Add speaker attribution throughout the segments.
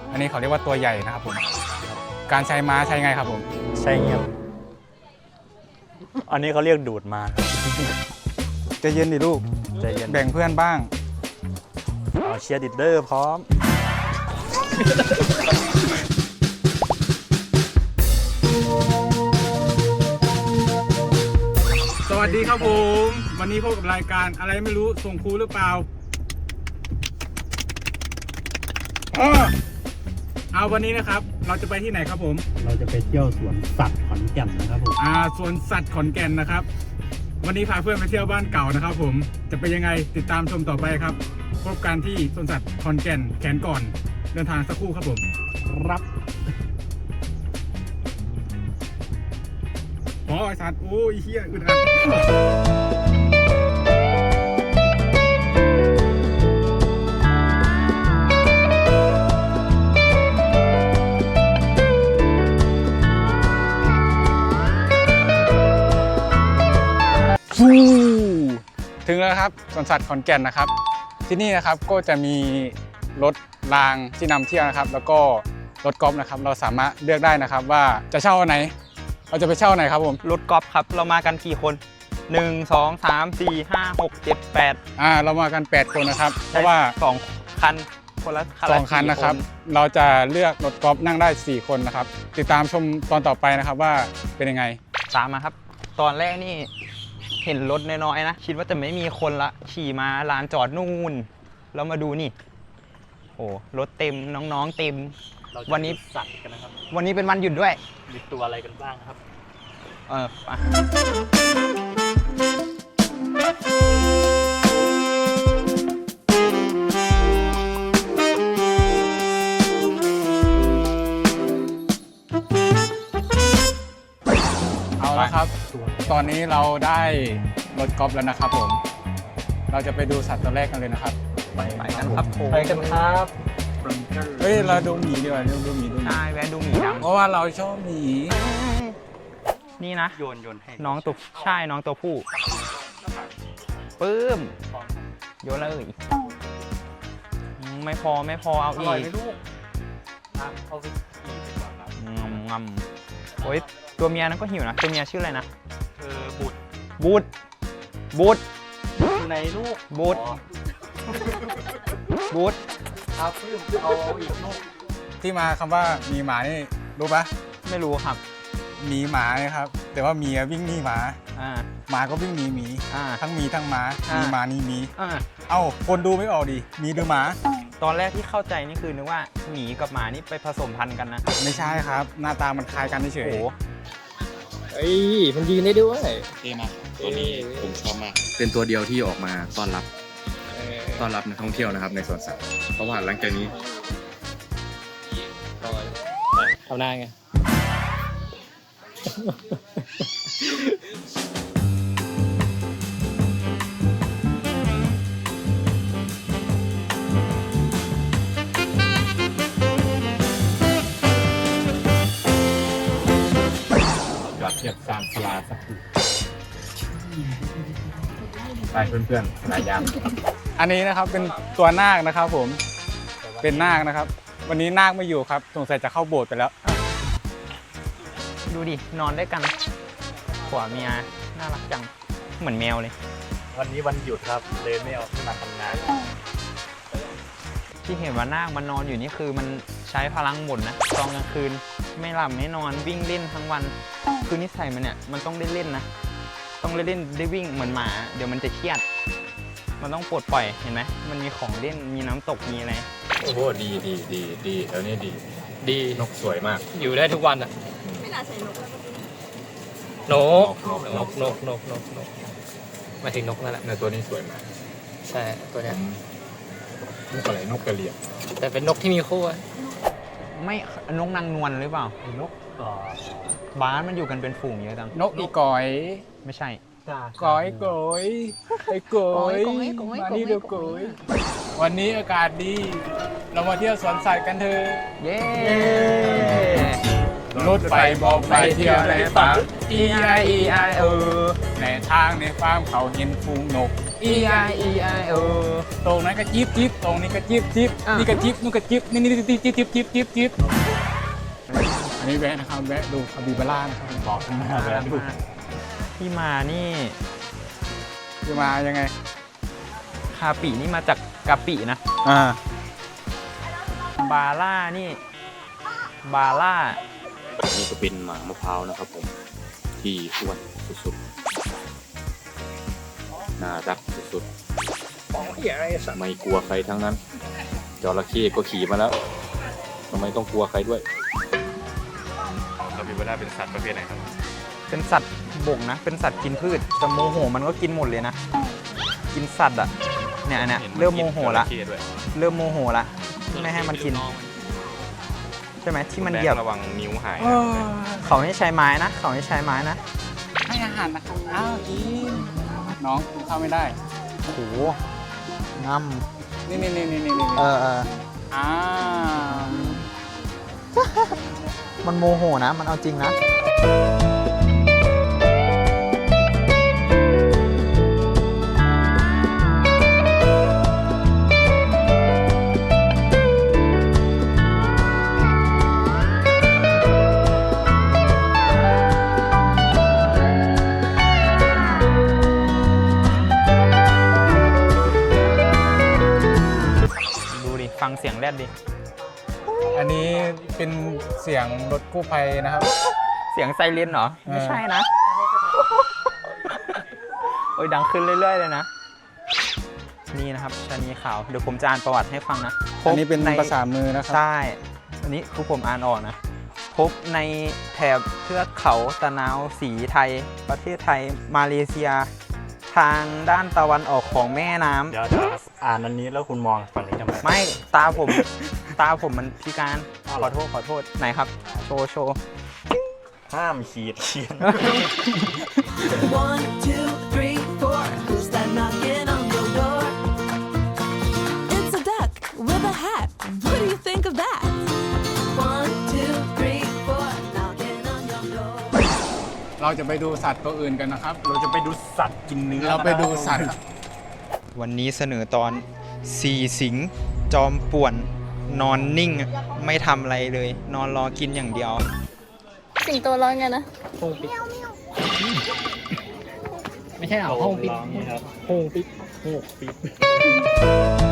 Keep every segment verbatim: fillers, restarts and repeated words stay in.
Speaker 1: อันนี้เขาเรียกว่าตัวใหญ่นะครับผมการใช้ม้าใช้ไงครับผม
Speaker 2: ใช่เงี้ยอันนี้เขาเรียกดูดมา
Speaker 1: ใจเย็นดิลูก
Speaker 2: ใจเย็น
Speaker 1: แบ่งเพื่อนบ้าง
Speaker 2: เชียร์ดิดเดอร์พร้อม
Speaker 1: สวัสดีครับผมวันนี้พบกับรายการอะไรไม่รู้ส่งครูหรือเปล่าเอาวันนี้นะครับเราจะไปที่ไหนครับผม
Speaker 2: เราจะไปเที่ยวสวนสัตว์ขอนแก่นนะครับผม
Speaker 1: อ่าสวนสัตว์ขอนแก่นนะครับวันนี้พาเพื่อนไปเที่ยวบ้านเก่านะครับผมจะเป็นยังไงติดตามชมต่อไปครับพบกันที่สวนสัตว์ขอนแก่นแขนก่อนเดินทางสักครู่ครับผมรับอ๋อไอสัตว์โอ้ยเฮียอึดอัดถึงแล้วครับสวนสัตว์ขอนแก่นนะครับที่นี่นะครับก็จะมีรถรางที่นำเที่ยวนะครับแล้วก็รถกอล์ฟนะครับเราสามารถเลือกได้นะครับว่าจะเช่าไหนเราจะไปเช่าไหนครับผม
Speaker 3: รถกอล์ฟครับเรามากันกี่คนหนึ่ง สอง สาม สี่ ห้า หก เจ็ด แปด
Speaker 1: อ่าเรามากันแปดคนนะครับเพราะว่า
Speaker 3: สองคันคนละ
Speaker 1: สองคันนะครับเราจะเลือกรถกอล์ฟนั่งได้สี่คนนะครับติดตามชมตอนต่อไปนะครับว่าเป็นยังไง
Speaker 3: ตามมาครับตอนแรกนี่เห็นรถน้อยๆนะคิดว่าจะไม่มีคนละขี่มาลานจอดนู่นแล้วมาดูนี่โอ้รถเต็มน้องๆเต็มวันนี้
Speaker 2: สัตว์กันนะครับ
Speaker 3: วันนี้เป็นวันหยุดด้วย
Speaker 2: มีตัวอะไรกันบ้างครับ
Speaker 3: เออไป
Speaker 1: เอาละครับตอนนี้เราได้รถกอล์ฟแล้วนะครับผมเราจะไปดูสัตว์ตัวแรกกันเลยนะครับ
Speaker 3: ไปกันครับ
Speaker 2: ไปกันครับ
Speaker 1: เฮ้ยเราดูหมีดีกว่าดูหมีดูหมี
Speaker 3: ใช่แวะดูหมีดำ
Speaker 1: เพราะว่าเราชอบหมี
Speaker 3: นี่นะ
Speaker 2: โยนโยนให้
Speaker 3: น้องตัวใช่น้องตัวผู้ปื้มโยนเลยไม่พอไม่พอเอาอีก
Speaker 2: เอาไป
Speaker 3: งำงำโอ้ยตัวเมียนั้นก็หิวนะตัวเมียชื่ออะไรนะ
Speaker 2: เออบูด
Speaker 3: บูดบูด
Speaker 2: ในลูก
Speaker 3: บูดบูด
Speaker 2: เอาปื้มเอาอีกลูก
Speaker 1: ที่มาคำว่ามีหมานี่รู้ปะ
Speaker 3: ไม่รู้ครับ
Speaker 1: มีหมาครับแต่ว่ามีวิ่งหนีหมา
Speaker 3: อ่า
Speaker 1: หมาก็วิ่งหนีหมี
Speaker 3: อ่า
Speaker 1: ทั้งมีทั้งหมามีหมานี่มี
Speaker 3: อ่า
Speaker 1: เอ้าคนดูไม่ออกดิมีหรือหมา
Speaker 3: ตอนแรกที่เข้าใจนี่คือนึกว่าหมีกับหมานี่ไปผสมพันธุ์กันนะ
Speaker 1: ไม่ใช่ครับหน้าตามันคล้ายกันเฉย
Speaker 3: โอ้
Speaker 2: เฮ้ยมันยืนได้ด้วย
Speaker 4: เท่มากตัวนี้ผมชอบมากเป็นตัวเดียวที่ออกมาต้อนรับต้อนรับนักท่องเที่ยวนะครับในสวนสัตว์เพราะว่าหลังจากนี้
Speaker 2: ทำหน้าไง
Speaker 1: เทียบสามสลาสักทีไปเพื่อนๆสายยามอันนี้นะครับเป็นตัวนาคนะครับผมเป็นนาคนะครับวันนี้นาคไม่อยู่ครับสงสัยจะเข้าโบสถ์ไปแล้ว
Speaker 3: ดูดินอนด้วยกันขวาเมียน่ารักจังเหมือนแมวเลย
Speaker 2: วันนี้วันหยุดครับเลยไม่เอาที่มาทำงาน
Speaker 3: ที่เห็นว่านาคมันนอนอยู่นี่คือมันใช้พลังหมดนะตอนกลางคืนไม่หลับไม่นอนวิ่งเล่นทั้งวันคือนิสัยมันเนี่ยมันต้องได้เล่นนะต้องได้เล่นได้วิ่งเหมือนหมาเดี๋ยวมันจะเครียดมันต้องปลดปล่อยเห็นไหมมันมีของเล่นมีน้ำตกมีอะไร
Speaker 4: โอ้โหดีดีดีดีแถวนี้ดี
Speaker 2: ดี
Speaker 4: นกสวยมาก
Speaker 2: อยู่ได้ทุกวันอ่ะ
Speaker 5: ไม่น่าใช่นก
Speaker 2: นกนกนกนกนกนกมาถึงนกนั่นแหละ
Speaker 4: ในตัวนี้สวยมาก
Speaker 2: ใช่ตัวนี้
Speaker 4: นกอะไรนกกระเหลี่ยง
Speaker 2: แต่เป็นนกที่มีคู่
Speaker 3: ไม่นกนางนวลหรือเปล่า
Speaker 2: นก
Speaker 3: บ้านมันอยู่กันเป็นฝูงเยอะจัง
Speaker 1: นกอีก๋อย
Speaker 3: ไม่ใช่
Speaker 1: ก๋อยก๋อยไอ้ก๋อยมานี่เดี๋ยวก๋อยวันนี้อากาศดีเรามาเที่ยวสวนสัตว์กันเถอะ
Speaker 3: เย้
Speaker 1: รถไฟบอกไปเที่ยวในป่า E I E I เออในทางในฟาร์มเขาเห็นฟูงนก
Speaker 3: E I E I เออ
Speaker 1: ตรงนั้นก็จิ๊บจิ๊บตรงนี้ก็จิ๊บจิ๊บ
Speaker 3: อ่ะ
Speaker 1: นี่ก็จิ๊บนู่นก็จิ๊บนี่นี่จิ๊บจิ๊บจิ๊บจิ๊บจิ๊บจิ๊บอันนี้แวะนะครับแวะดูคาบิบาร่านะครับบอกข้างหน้าแวะดู
Speaker 3: ที่มานี่
Speaker 1: คือมายังไง
Speaker 3: คาปินี่มาจากกะปินะ
Speaker 1: อ่า
Speaker 3: บาร่านี่ บาร่า
Speaker 4: นี่ก็เป็นหมามะพร้าวนะครับผมที่อ้วนสุดๆน่ารักสุดๆไม่กลัวใครทั้งนั้นจระเข้ก็ขี่มาแล้วทำไมต้องกลัวใครด้วยคาปิบาร่าเป็นสัตว์ประเภทไหนครับ
Speaker 3: เป็นสัตว์บกนะ เป็นสัตว์กินพืชแต่โมโหมันก็กินหมดเลยนะ กินสัตว์อ่ะ เนี่ยอันเนี่ยเริ่มโมโหละ เริ่มโมโหละ ไม่ให้มันกิน ใช่ไหมที่มันเหยียบ
Speaker 4: ระวังนิ้วหาย
Speaker 3: เขาให้ใช้ไม้นะ เขาให้ใช้ไม้นะ
Speaker 1: ให้อาหารนะครับอ้าวกินน้องกินข้าวไม่ได้
Speaker 3: โอ้โหงำ
Speaker 1: นี่นี่นี่นี่นี่นี่
Speaker 3: เออเออ
Speaker 1: อ่า
Speaker 3: มันโมโหนะ มันเอาจริงนะ ดูดิ ฟังเสียงแรดดิ
Speaker 1: อันนี้เป็นเสียงรถกู้ภัยนะครับ
Speaker 3: เสียงไซเรนเหรอ
Speaker 1: เออ
Speaker 3: ไม่ใช่นะ โอ้ยดังขึ้นเรื่อยๆเลยนะ นี่นะครับชะนีขาว เดี๋ยวผมจะอ่านประวัติให้ฟังนะพบ
Speaker 1: อันนี้เป็น
Speaker 3: ใน
Speaker 1: ภาษามือนะครับ
Speaker 3: ใช่ อันนี้คือผมอ่านออกนะ พบในแถบเทือกเขาตะนาวสีไทย ประเทศไทย มาเลเซีย ทางด้านตะวันออกของแม่น้ำ
Speaker 5: เดี๋ยวอ่านอันนี้แล้วคุณมองฝั่งนี้ทำไม
Speaker 3: ไม่ ตาผม ตาผมมันพิการ ขอโทษ ขอโทษ ไหนครับ โชว์ โชว์
Speaker 5: ห้ามขีดเขียน
Speaker 6: One, two, three, four. Who's that knocking on your door? It's a duck with a hat. What do you think of that? One, two, three, four. Knocking on your door.
Speaker 1: เราจะไปดูสัตว์ตัวอื่นกันนะครับ
Speaker 5: เราจะไปดูสัตว์กินเนื้อ
Speaker 1: เราไปดูสัตว์
Speaker 3: วันนี้เสนอตอนสี่สิงห์จอมป่วน นอนนิ่ง ไม่ทำอะไรเลย นอนรอกินอย่างเดียว
Speaker 7: สิงโตร้องไงนะ
Speaker 2: ไม่ใช่เหรอห้องปิด
Speaker 5: ร้องนี่ครับ
Speaker 2: ห้องปิด
Speaker 5: โหกปิด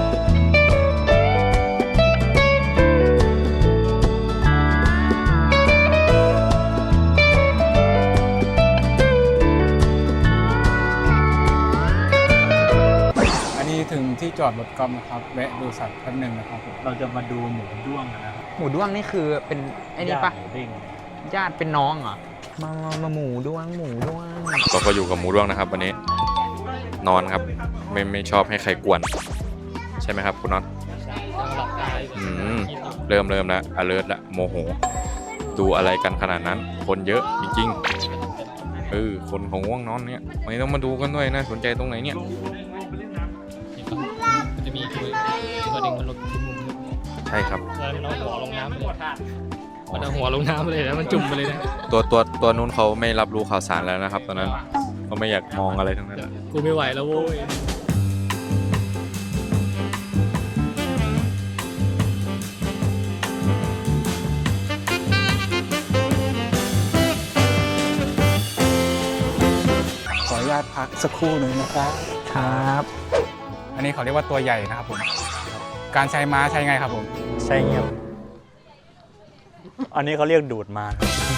Speaker 1: อันนี้ถึงที่จอดรถกอล์ฟนะครับ แวะดูสัตว์แป๊บหนึงนะครับผม
Speaker 5: เราจะมาดูหมูด้วงกันนะครับ
Speaker 3: หมูด้วงนี่คือเป็นไอ้นี่ปะ
Speaker 5: ย่างหมูเด้ง
Speaker 3: ญาติเป็นน้องเหรอ มามามาหมูด้วง หมูด้วง
Speaker 4: เราก็อยู่กับหมูด้วงนะครับวันนี้ นอนครับ ไม่ไม่ชอบให้ใครกวน ใช่ไหมครับคุณน็อตอืมเริ่มเริ่มแล้ว alert ละโมโห ดูอะไรกันขนาดนั้น คนเยอะจริงๆเออคนของง่วงนอนเนี่ยไม่ต้องมาดูกันด้วยนะสนใจตรงไหนเนี่ย
Speaker 2: มันจะมีตัวตัวหนึ่งมันหลุดที่มุม
Speaker 4: ใช่ครับ
Speaker 2: แล้วมันเอาหัวลงน้ำไปเลยมันเอาหัวลงน้ำไปเลยแล้วมันจุ่มไปเลยนะ
Speaker 4: ตัวตัวตัวนู้นเขาไม่รับรู้ข่าวสารแล้วนะครับ ตอนนั้นเขาไม่อยากมองอะไรทั้งนั้น
Speaker 2: กูไม่ไหวแล้วโว้ย
Speaker 1: ขออนุญาตพักสักครู่หนึ่งนะครับ
Speaker 3: ครับ
Speaker 1: อันนี้เขาเรียกว่าตัวใหญ่นะครับผม การใช้ม้าใช้ไงครับผม
Speaker 5: ใช่เงี้ยอันนี้เขาเรียกดูดมา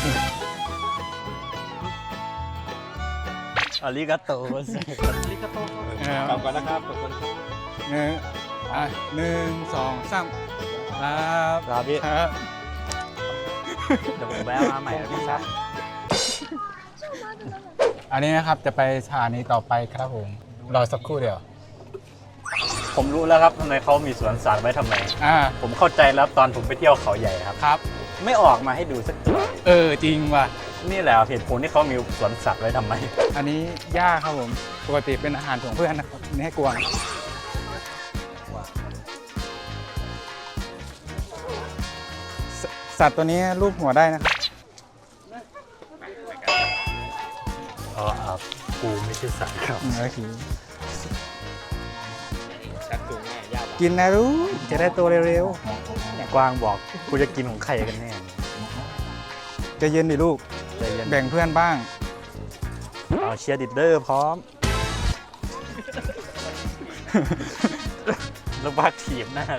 Speaker 5: อาริกาโตอาริกาโต
Speaker 1: เออก
Speaker 5: ลับก่อนนะครับกลับก่อน
Speaker 1: หนึ่งอ่ะหนึ่งสองสามครับ
Speaker 5: ครับพี่
Speaker 1: ครับ
Speaker 5: เดี๋ยวผมแวะมาใหม่นะพี่ครับ
Speaker 1: อันนี้นะครับจะไปสถานีต่อไปครับผมรอสักครู่เดียว
Speaker 5: ผมรู้แล้วครับทำไมเขามีสวนสัตว์ไว้ทำไม
Speaker 1: อ่า
Speaker 5: ผมเข้าใจแล้วตอนผมไปเที่ยวเขาใหญ่ครับ
Speaker 1: ครับ
Speaker 5: ไม่ออกมาให้ดูสักตัว
Speaker 1: เออจริงว่ะ
Speaker 5: นี่แหละเหตุผลที่เขามีสวนสัตว์ไว้ทำไม
Speaker 1: อันนี้หญ้าครับผมปกติเป็นอาหารของเพื่อนนะครับอันนี่ให้กวางสสัตว์ตัวนี้รูปหัวได้นะครับ
Speaker 5: กูไม่ใช่สัตว์ครับ
Speaker 1: เนื้อขิง
Speaker 2: ชักจูงแม่ยาก
Speaker 1: กินนะรู้จะได้ตัวเร็ว
Speaker 5: กวางบอกกูจะกินของใครกันแน่
Speaker 1: ๆใจะเย็นดิลูก
Speaker 5: ใจเย็น
Speaker 1: แบ่งเพื่อนบ้าง
Speaker 5: เอาเชียร์ดิดเดอร์พร้อม แล้วบักทีมหน้า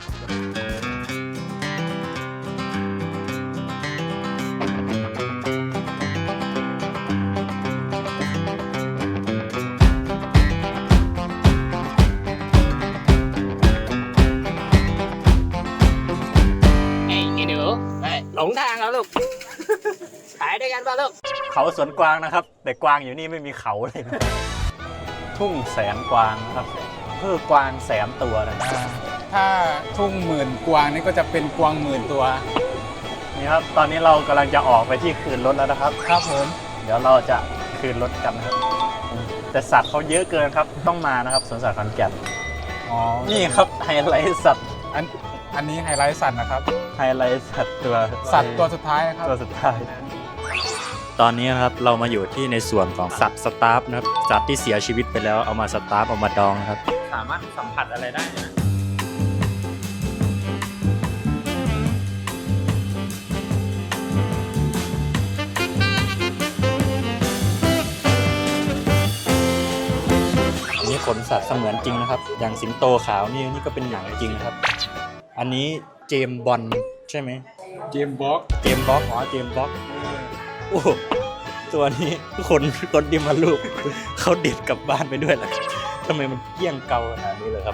Speaker 2: ไอ้ไอ้หนูไปหลงทางแล้วลูกขายด้วยกันป่ะลูก
Speaker 5: เขาสวนกวางนะครับ แต่กวางอยู่นี่ไม่มีเขาเลยนะทุ่งแสนกวางนะครับคือกวางแสนตัวนะครับ
Speaker 1: อ่าถ้าทุ่งหมื่นกวางนี่ก็จะเป็นกวางหมื่นตัว
Speaker 5: นี่ครับ ตอนนี้เรากำลังจะออกไปที่คืนรถแล้วนะครับ
Speaker 1: ครับผม
Speaker 5: เดี๋ยวเราจะคืนรถกันนะครับ แต่สัตว์เขาเยอะเกินครับ ต้องมานะครับสวนสัตว์ขอนแก่น
Speaker 1: อ๋อ
Speaker 5: นี่ครับไฮไลท์สัตว์
Speaker 1: อันอันนี้ไฮไลท์สัตว์นะครับ
Speaker 5: ไฮไลท์สัตว์ตัว
Speaker 1: สัตว์ตัวสุดท้ายนะครับ
Speaker 5: ตัวสุดท้าย ตอนนี้นะครับเรามาอยู่ที่ในส่วนของสัตว์สตาฟนะครับ สัตว์ที่เสียชีวิตไปแล้วเอามาสตาฟเอามาดองนะครับ
Speaker 3: สามารถสัมผัสอะไรได้นะ
Speaker 5: อันนี้ขนสัตว์เสมือนจริงนะครับ อย่างสิงโตขาวนี่นี่ก็เป็นหนังจริงนะครับ อันนี้เจมส์บอนด์ใช่ไหม
Speaker 1: เกมบ็อก
Speaker 5: เจมส์บ็อกอ๋อเจมส์บ็อกโอ้โหตัวนี้คนคนที่มาลูกเขาเด็ดกลับบ้านไปด้วยเหรอทำไมมันเกี้ยงเกาขนาดนี้เลยครับ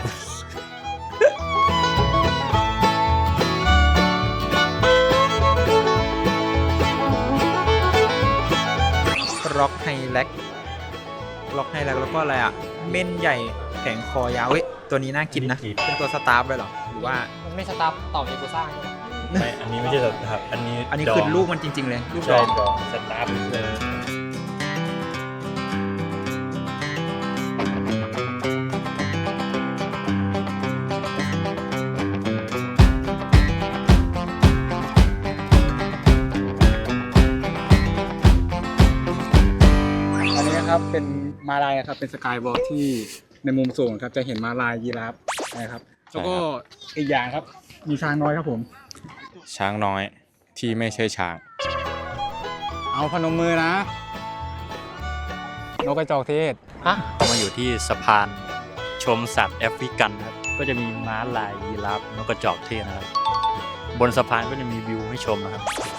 Speaker 3: ร็อกไฮแล็กร็อกไฮแล็กแล้วก็อะไรอ่ะ เม่นใหญ่แข็งคอยาวเว้ยตัวนี้น่ากินนะ เป็นตัวสตาร์ฟเลยเหรอ หรือว่า
Speaker 2: มันไม่สตาร์ทต่อมีกูสร้าง
Speaker 5: ไม่อันนี้ไม่ใช่สัตว์ครับ อันนี้
Speaker 3: อันนี้
Speaker 5: ดง
Speaker 3: คือลูกมันจริง ๆ เลย ลูกด
Speaker 5: ใช่
Speaker 3: อง
Speaker 5: ดองสตาร์ฟเลย
Speaker 1: อันนี้นะครับเป็นมาลายนะครับเป็นสกายวอล์กที่ในมุมสูงครับจะเห็นมาลายยีราฟนะครับแล้วก็อีกอย่างครับมีช้างน้อยครับผม
Speaker 4: ช้างน้อยที่ไม่ใช่ช้าง
Speaker 1: เอาพนมมือนะนกกระจอกเทศ
Speaker 5: มาอยู่ที่สะพานชมสัตว์แอฟริกันนะครับ ก็จะมีม้าลายยีราฟนกกระจอกเทศนะครับ บนสะพานก็จะมีวิวให้ชมนะครับ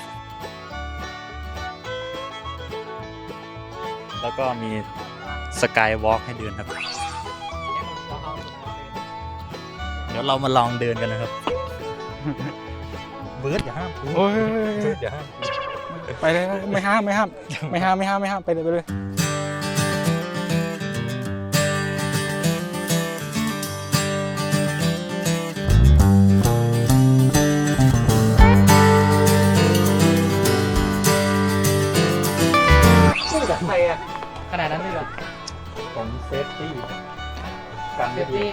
Speaker 5: แล้วก็มีสกายวอล์กให้เดินครับ เดี๋ยวเรามาลองเดินกันนะครับ เบิร์ดอย่าห้ามกู
Speaker 1: โอ้ย
Speaker 5: เบิร์ดอย่าห้ามกู
Speaker 1: ไปเลยไม่ห้ามไม่ห้ามไม่ห้ามไม่ห้ามไม่ห้ามไปเลยไปเลย
Speaker 2: ใครอะขนาดนั้นเลยเหรอ
Speaker 5: ผมเซฟตี้การ
Speaker 2: เซฟตี้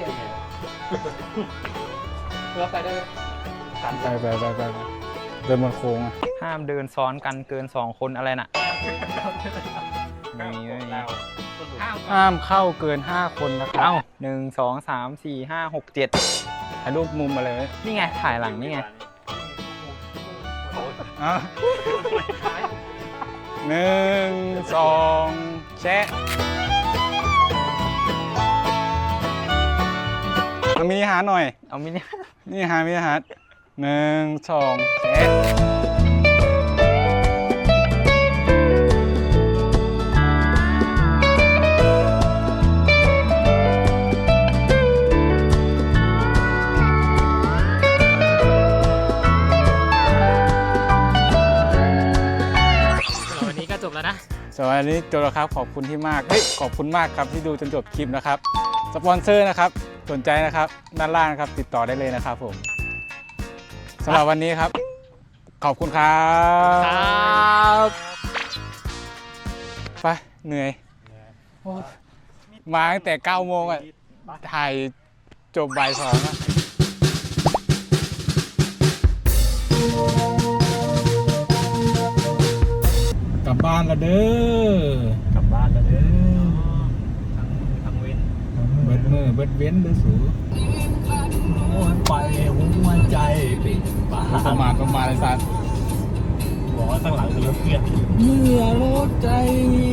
Speaker 2: เพื่อไปได้
Speaker 1: ไปไปไปไปไปเดินบนโค้งอะ
Speaker 3: ห้ามเดินซ้อนกันเกินสองคนอะไรน่ะไม่มีไม่มี
Speaker 1: ห้ามเข้าเกินห้าคนนะครับ
Speaker 3: เอ้าหนึ่งสองสามสี่ห้าหกเจ็ด
Speaker 1: ถ่ายรูปมุมมาเลย
Speaker 3: นี่ไง ถ่ายหลังนี่ไง
Speaker 1: อ่ะหนึ่งสองแชะเอามินิฮาร์ทหน่อย
Speaker 3: เอามินิ
Speaker 1: นี่ฮาร์ทมินิฮาร์ทหนึ่งสองแชะ
Speaker 2: วันนี้ก็จบแล้วนะ
Speaker 1: สวัสดีจบแล้วครับขอบคุณที่มากเฮ้ยขอบคุณมากครับที่ดูจนจบคลิปนะครับสปอนเซอร์นะครับสนใจนะครับด้านล่างนะครับติดต่อได้เลยนะครับผมสำหรับวันนี้ครับ ขอบคุณครับ
Speaker 2: ครับ
Speaker 1: ไปเหนื่อยโอ้ยมาตั้งแต่เก้าโมงอ่ะถ่ายจบบ่ายสองอะกลับบ้านแล้วเด้อก
Speaker 5: ลับบ้านแล้วเด้อ
Speaker 8: มือเบิดเว้นเด้อสูโอ้ยไปหัวใจเป็นบ้าประมาทประมาทไอ้สัตว์บอกว่าข้างหลังคือรถเพื่อนเมื่อรถใจมี